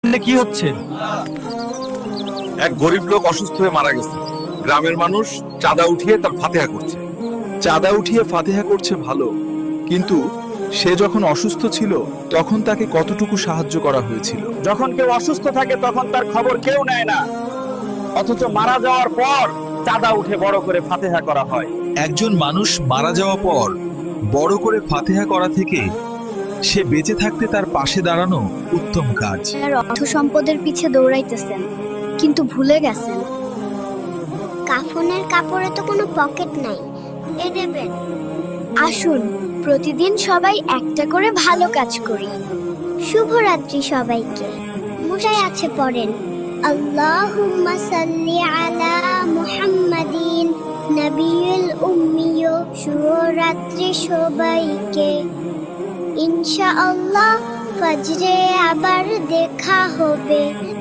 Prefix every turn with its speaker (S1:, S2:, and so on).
S1: কি হচ্ছে?
S2: এক গরিব লোক অসুস্থ হয়ে মারা গেছে। গ্রামের মানুষ চাঁদা উঠিয়ে তার ফাতেহা করছে।
S3: চাঁদা উঠিয়ে ফাতিহা করছে ভালো, কিন্তু সে যখন অসুস্থ ছিল তখন তাকে কতটুকু সাহায্য করা হয়েছিল?
S1: যখন কেউ অসুস্থ থাকে তখন তার খবর কেউ নেয় না, অথচ মারা যাওয়ার পর চাঁদা উঠে বড় করে ফাতেহা করা হয়।
S3: একজন মানুষ মারা যাওয়া পর বড় করে ফাতিহা করা থেকে সে বেঁচে থাকতে তার পাশে দাঁড়ানো উত্তম কাজ।
S4: আর অর্থ সম্পদের পিছে দৌড়াইতেছেন, কিন্তু ভুলে গেছেন
S5: কাফনের কাপড়ে তো কোনো পকেট নাই, এ দেবেন।
S4: আসুন প্রতিদিন সবাই একটা করে ভালো কাজ করি।
S5: শুভরাত্রি সবাইকে। মশাই আছে পড়েন, আল্লাহুম্মা সাল্লি আলা মুহাম্মাদিন নবিয়ুল উম্মিয়। শুভরাত্রি সবাইকে। ইনশাআল্লাহ ফজরে আবার দেখা হবে।